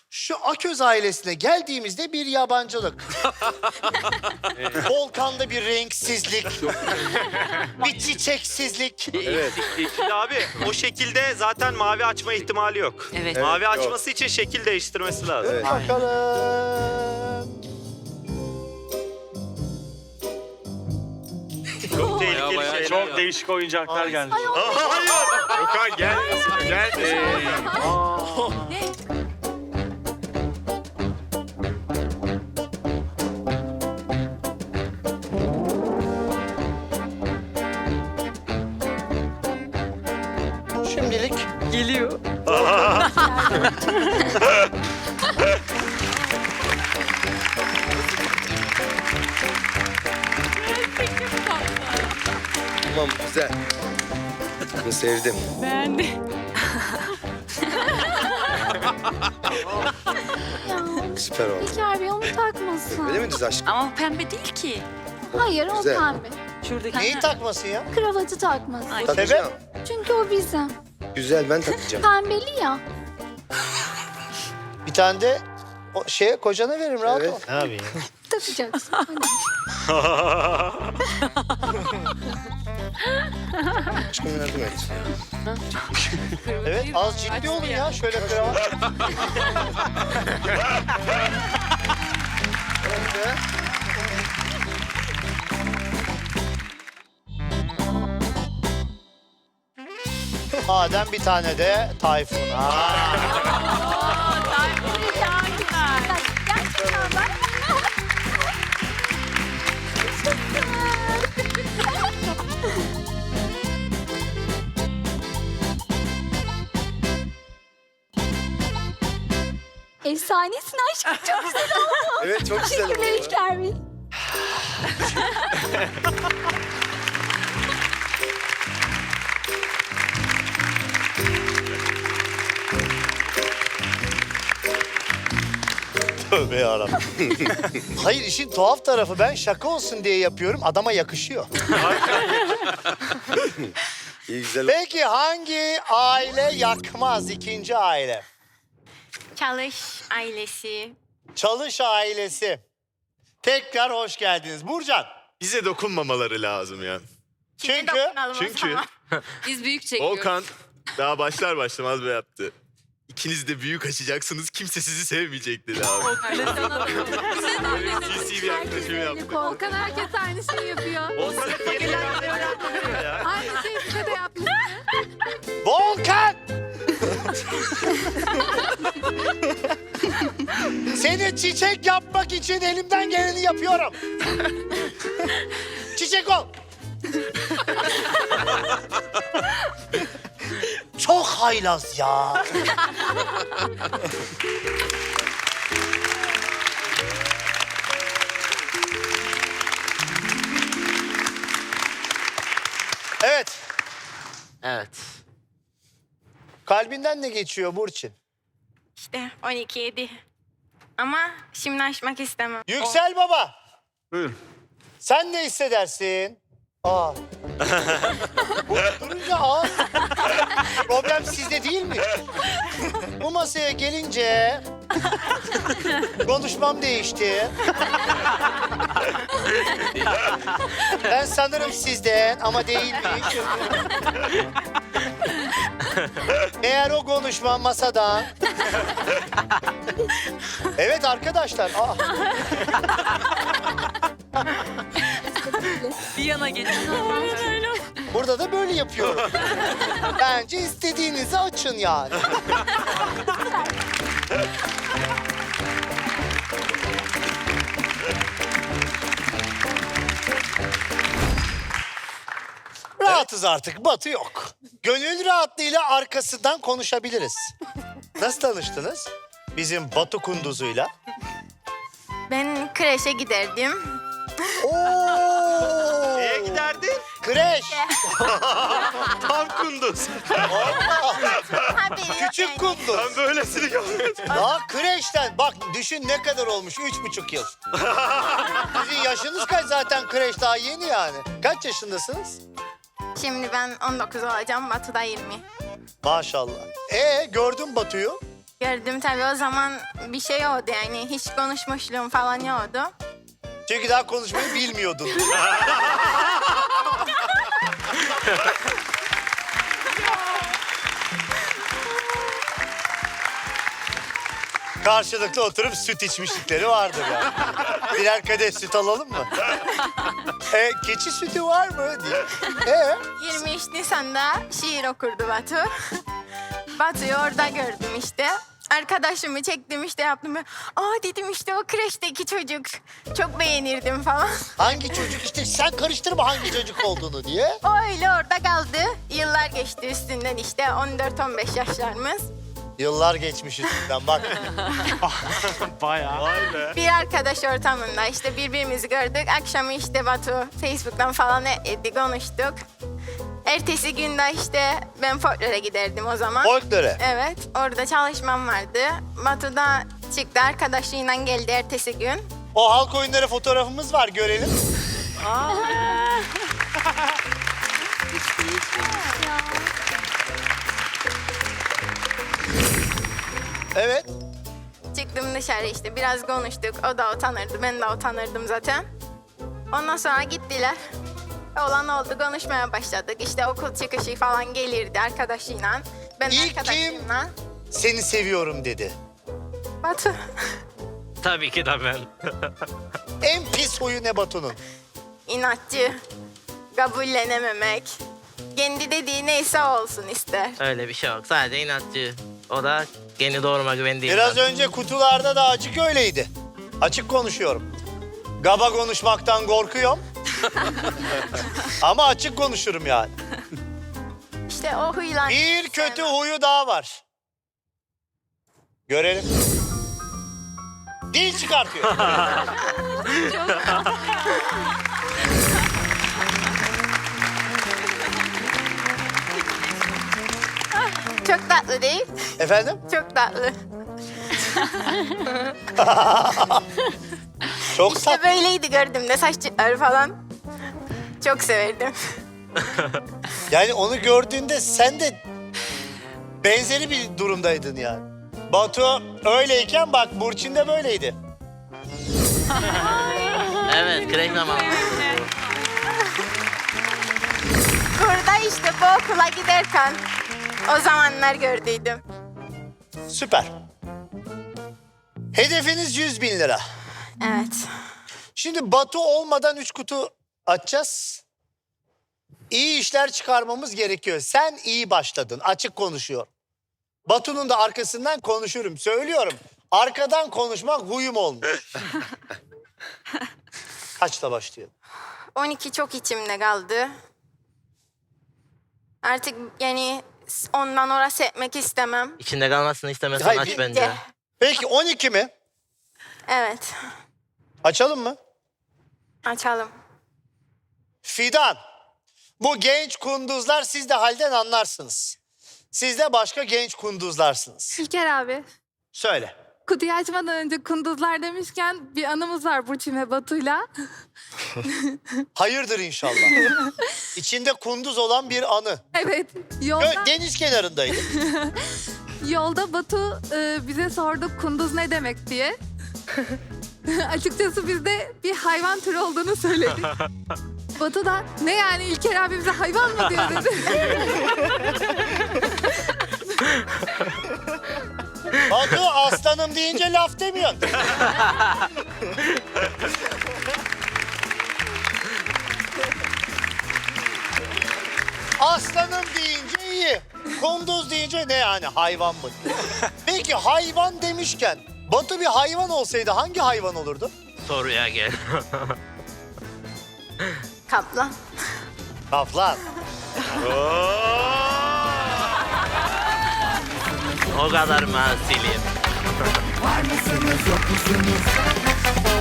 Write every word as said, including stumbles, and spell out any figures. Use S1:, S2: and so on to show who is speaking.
S1: Şu Aköz ailesine geldiğimizde bir yabancılık. Volkan'da bir renksizlik. Bir çiçeksizlik.
S2: Evet.
S3: Şimdi abi o şekilde zaten mavi açma ihtimali yok.
S4: Evet.
S3: Mavi
S2: Evet,
S3: açması için şekil değiştirmesi lazım.
S2: Evet.
S1: Bakalım.
S3: Çok tehlikeli
S5: Bayağı bayağı
S3: şeyler.
S5: çok değişik oyuncaklar geldi.
S3: Hayır.
S2: Okan gel. Gel.
S1: Şimdilik
S4: Geliyor.
S2: Tamam güzel. Bunu sevdim.
S4: Beğendi.
S2: Süper oldu.
S6: İlker Bey onu takmasın.
S2: Öyle mi düz aşkım?
S4: Ama pembe değil ki.
S6: Hayır o
S2: Güzel.
S6: pembe.
S4: Şuradaki.
S1: neyi takmasın ya?
S6: Kravatı takmasın.
S4: Ay.
S2: Takacağım.
S6: Çünkü o bizim.
S2: Güzel ben takacağım.
S6: Pembeli ya.
S1: Bir tane de o şeye kocana veririm rahat
S2: Evet.
S1: ol. Ne yapayım?
S6: Takacaksın. Hadi.
S2: Aşkım yardım et.
S1: Evet az ciddi olun ya şöyle kravat. Öyle. Madem bir tane de Tayfun'a.
S6: Gerçekten ben. Efsanesin aşkım. Çok güzel oldu.
S2: Evet çok güzel oldu.
S6: Teşekkürler İlker Bey.
S1: Tövbe yarabbim. Hayır işin tuhaf tarafı ben şaka olsun diye yapıyorum adama yakışıyor.
S2: İyi güzel oldu.
S1: Peki hangi aile yakmaz ikinci aile?
S7: Çalış ailesi.
S1: Çalış ailesi. Tekrar hoş geldiniz. Burcan.
S8: Bize dokunmamaları lazım ya.
S7: Size
S1: Çünkü-
S7: dokunalım o
S8: Çünkü
S7: zaman.
S4: Biz büyük çekiyoruz.
S8: Volkan daha başlar başlamaz böyle yaptı. İkiniz de büyük açacaksınız, kimse sizi sevmeyecek dedi abi. Böyle sinsi bir yaklaşım yaptı.
S6: Volkan herkes aynı şeyi yapıyor.
S3: Volkan'ın yeni ya.
S6: Aynı şeyi size de yapmış.
S1: Volkan! Seni çiçek yapmak için elimden geleni yapıyorum. Çiçek ol. Çok haylaz ya. Evet.
S4: Evet.
S1: Kalbinden ne geçiyor Burçin?
S7: İşte on iki yedi. Ama şimdi açmak istemem.
S1: Yüksel Baba.
S8: Buyurun.
S1: Sen ne hissedersin? Aa. Bu durunca aa. Problem sizde değil mi? Bu masaya gelince konuşmam değişti. Ben sanırım sizden ama değilmiş. Eğer o konuşma masadan. Evet arkadaşlar. Aa.
S4: Bir yana geçin.
S1: Burada da böyle yapıyorum. Bence istediğinizi açın yani. Rahatız artık, Batı yok. Gönül rahatlığıyla arkasından konuşabiliriz. Nasıl tanıştınız? Bizim Batu Kunduz'uyla.
S7: Ben kreşe giderdim.
S1: Oo!
S3: Neye giderdin?
S1: Kreş.
S8: Tam kunduz.
S7: Haberi yok
S1: Küçük
S7: yani.
S1: Kunduz.
S8: Ben böylesini görmedim.
S1: Daha kreşten bak düşün ne kadar olmuş? Üç buçuk yıl. Sizin yaşınız kaç zaten kreş daha yeni yani. Kaç yaşındasınız?
S7: Şimdi ben on dokuz olacağım, Batı'da yirmi.
S1: Maşallah. Ee gördün Batu'yu.
S7: Gördüm tabii, o zaman bir şey oldu yani. Hiç konuşmuşluğum falan yoktu.
S1: Çünkü daha konuşmayı bilmiyordun. Karşılıklı oturup süt içmişlikleri vardır yani. Birer kadeh süt alalım mı? e, keçi sütü var mı diye. E,
S7: yirmi üç Nisan'da şiir okurdu Batu. Batu'yu orada gördüm işte. Arkadaşımı çektim işte, yaptım. Aa dedim, işte o kreşteki çocuk. Çok beğenirdim falan.
S1: hangi çocuk işte sen karıştırma hangi çocuk olduğunu diye.
S7: O öyle orada kaldı. Yıllar geçti üstünden, işte on dört on beş yaşlarımız.
S1: Yıllar geçmiş üstünden bak.
S3: Bayağı. Vay be.
S7: Bir arkadaş ortamında işte birbirimizi gördük. Akşamı işte Batu Facebook'tan falan etti, konuştuk. Ertesi günde işte ben folklore giderdim o zaman.
S1: Folklore.
S7: Evet, orada çalışmam vardı. Batu da çıktı, arkadaşıyla geldi ertesi gün.
S1: O halk oyunları fotoğrafımız var, görelim. Evet.
S7: Çıktım dışarı işte, biraz konuştuk. O da utanırdı, ben de utanırdım zaten. Ondan sonra gittiler. Olan oldu, konuşmaya başladık. İşte okul çıkışı falan gelirdi arkadaşıyla. Ben de
S1: İlk kim?
S7: arkadaşımla.
S1: Seni seviyorum dedi.
S7: Batu.
S3: Tabii ki de ben.
S1: En pis huyu ne Batu'nun?
S7: İnatçı, kabullenememek. Kendi dediği neyse olsun ister.
S5: Öyle bir şey yok. Sadece inatçı. O da kendi doğruma güvendiğinden.
S1: Biraz önce kutularda da açık öyleydi. Açık konuşuyorum. Gaba konuşmaktan korkuyorum. Ama açık konuşurum yani.
S7: İşte o huyla...
S1: Bir kötü huyu daha var. Görelim. Dil çıkartıyor.
S7: Çok tatlı değil,
S1: Efendim?
S7: çok tatlı.
S1: Çok
S7: İşte
S1: sat.
S7: böyleydi gördüğümde, saçları falan. Çok severdim.
S1: Yani onu gördüğünde sen de benzeri bir durumdaydın yani. Batu öyleyken bak Burçin de böyleydi.
S5: Evet, kreş zamanı.
S7: Burada işte bu okula giderken o zamanlar gördüydüm.
S1: Süper. Hedefiniz yüz bin lira.
S7: Evet.
S1: Şimdi Batu olmadan üç kutu açacağız. İyi işler çıkarmamız gerekiyor. Sen iyi başladın, açık konuşuyor. Batu'nun da arkasından konuşurum, söylüyorum. Arkadan konuşmak huyum olmuş. Kaçla başlayalım?
S7: on iki çok içimde kaldı. Artık yani ondan orası etmek istemem.
S5: İçinde kalmasını istemezsen
S1: Hayır,
S5: aç
S1: bir-
S5: bence.
S7: De.
S1: Peki on iki mi?
S7: Evet.
S1: Açalım mı?
S7: Açalım.
S1: Fidan. Bu genç kunduzlar siz de halden anlarsınız. Siz de başka genç kunduzlarsınız.
S6: İlker abi.
S1: Söyle.
S6: Kutuyu açmadan önce kunduzlar demişken bir anımız var Burçin ve Batu'yla.
S1: Hayırdır inşallah. İçinde kunduz olan bir anı.
S6: Evet. Yolda,
S1: Gö- Deniz kenarındaydı.
S6: yolda Batu e, bize sordu kunduz ne demek diye. Açıkçası biz de bir hayvan türü olduğunu söyledik. Batu da ne yani İlker abi bize hayvan mı diyor dedi.
S1: Batu aslanım deyince laf demiyorsun. Aslanım deyince iyi. Kunduz deyince ne yani hayvan mı? Peki hayvan demişken Batu bir hayvan olsaydı hangi hayvan olurdu?
S5: Soruya gel.
S7: Kaplan.
S1: Kaplan.
S5: O kadar mı silim?
S9: Var mısınız yok musunuz?